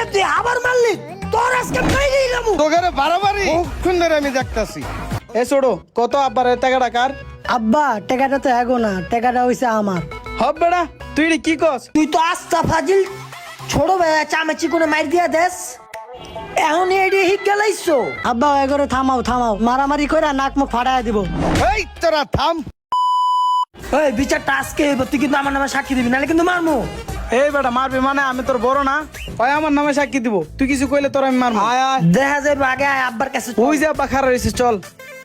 তুই আবার মারলি? তোর আজকে মেরে দিলাম। তোকে বাড়াবাড়ি কতক্ষণ ধরে আমি দেখতাছি। এ ছোড়ো, কত আব্বার টাকাটা কার? আব্বা টাকাটা তো এগো না, টাকাটা হইছে আমার। হব বেড়া, তুই এডি কি কস? তুই তো আস্তা ফাজিল ছোট ভাই চামেচি করে মার দিয়া দেস। এখন এডি হিক গেলাইছো। আব্বা এগোরে থামাও থামাও, মারামারি কইরা নাক মুখ ফাড়ায় দিব। এই তোরা থাম। এই বিচারটা আজকে হইব, তুই কিন্তু আমার নামে সাক্ষী দিবি, নাহলে কিন্তু মারমু। এই বেটা মারবি মানে? আমি তোর বড় না? ওই আমার নামে সাক্ষী দিব, তুই কিছু কইলে তোর আমি মারবো। আয় আয়, দেখা যাবে আগে আয় আব্বার কাছে। ওই যে আব্বা খারাপ হয়েছে, চল।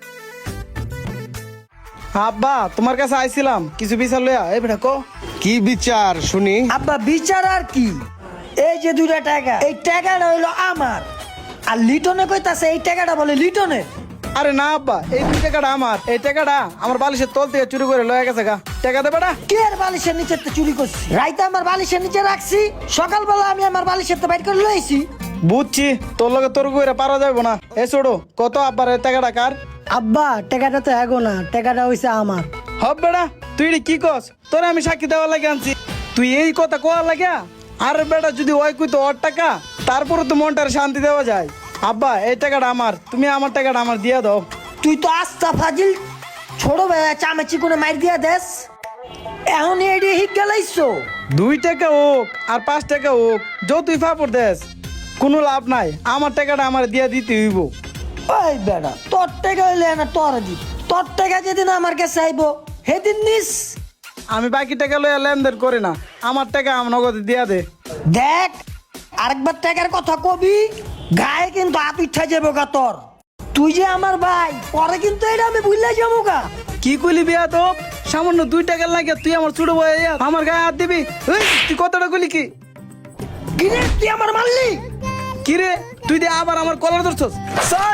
আব্বা তোমার কাছে আইছিলাম কিছু বিচার লইয়া। এই বেটা কো কি বিচার শুনি? আব্বা বিচার আর কি, এই যে দুইটা টাকা, এই টাকাটা হইলো আমার, আর লিটনে কইতাছে এই টাকাটা বলে লিটনের। আরে না আব্বা, এই 2 টাকাটা আমার। এই টাকাটা আমার বালিশের তল থেকে চুরি করে লয়ে গেছে গা। টাকা দে বেটা। কে আর বালিশের নিচে চুরি করছি? রাইতে আমার বালিশের নিচে রাখছি, সকালবেলা আমি আমার বালিশের তো বাইর করে লইছি। বুঝছি, তোর লগে তোর কইরা পারা যাবে না। এ ছোড়ো, কত আব্বার এই টাকাটা কার? আব্বা টাকাটা তো এগো না, টাকাটা হইছে আমার। হব বেড়া, তুই এডি কি কস? তোরে আমি সাক্ষী দেওয়ার লাগে আনছি, তুই এই কথা কোয়া লাগিয়া? আরে বেটা, যদি ওই কই তো ওর টাকা, তারপরে তো মনটার শান্তি দেওয়া যায়। আব্বা এই টাকাটা আমার, তুমি আমার টাকাটা আমার দিয়া দাও। তুই তো আস্তা ফাজিল ছোট ভাই চামেচি করে মার দিয়া দেস। এখন এডি হিক গেলাইছো। 2 টাকা হোক আর 5 টাকা হোক, তুই ফাপড় দেস, কোনো লাভ নাই। আমার টাকাটা আমার দিয়া দিতে হইব। ওই বেড়া, তোর টাকা হইলে না তোর দি, তোর টাকা যেদিন আমার কাছে আইবো সেদিন নিস। আমি বাকি টাকা লইয়া লেনদেন করি না, আমার টাকা আমার নগদে দিয়া দে। দেখ, আরেকবার টাকার কথা কবি, গায়ে কিন্তু হাত উঠা যাবো গা তোর। তুই যে আমার ভাই, পরে কিন্তু এটা আমি ভুললে যাবো গা। কি কইলি বিয়া তো? সামান্য 2 টাকা লাগে তুই আমার ছোট ভাই আমার গায়ে হাত দিবি? এই, তুই কতটা কইলি কি? কিরে তুই আমার মারলি? কিরে তুই দিয়ে আবার আমার কলার ধরছস? স্যার,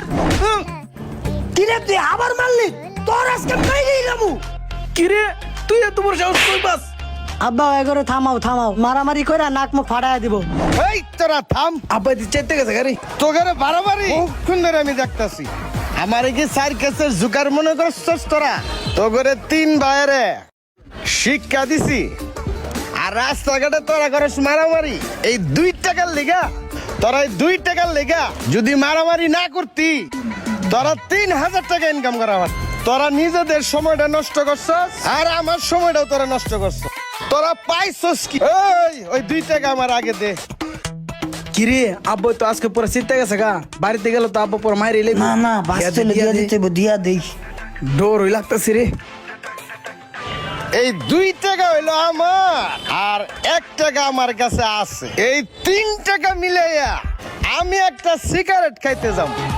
কিরে তুই আবার মারলি? তোর আজকে মেরে দিলাম। কিরে তুই এত বড় সাহস কই পাস? আব্বা এগোরে থামাও থামাও, মারামারি কইরা নাক মুখ ফাড়ায় দিব। এই তোরা থাম। আব্বা দি চাইতে গেছে গাড়ি। তোকে বাড়াবাড়ি কতক্ষণ ধরে আমি দেখতাছি। আমার কি 4 কেসের জুকার মনে করছস তোরা? তোকে 3 ভাইরে শিক্ষা দিছি, আর রাস্তাঘাটে তোরা করস মারামারি এই 2 টাকার লেগা। তোরা এই 2 টাকার লেগা যদি মারামারি না করতি, তোরা 3000 টাকা ইনকাম করা পারতি। তোরা নিজেদের সময়টা নষ্ট করছস, আর আমার সময়টাও তোরা নষ্ট করছস। তোরা পাইছস কি? ওই 2 টাকা আমার আগে দে। কিরে আব্বা তো আজকে পুরো চিন্তা গেছে গা। বাড়িতে গেল তো আব্বা পুরো মাইরে লেবি। না না, বাঁচতে দিয়া দিতে দিয়া দেই। ডোর হই লাগতেছি রে। এই 2 টাকা হইলো আমার, আর 1 টাকা আমার কাছে আছে। এই 3 টাকা মিলাইয়া আমি একটা সিগারেট খাইতে যাব।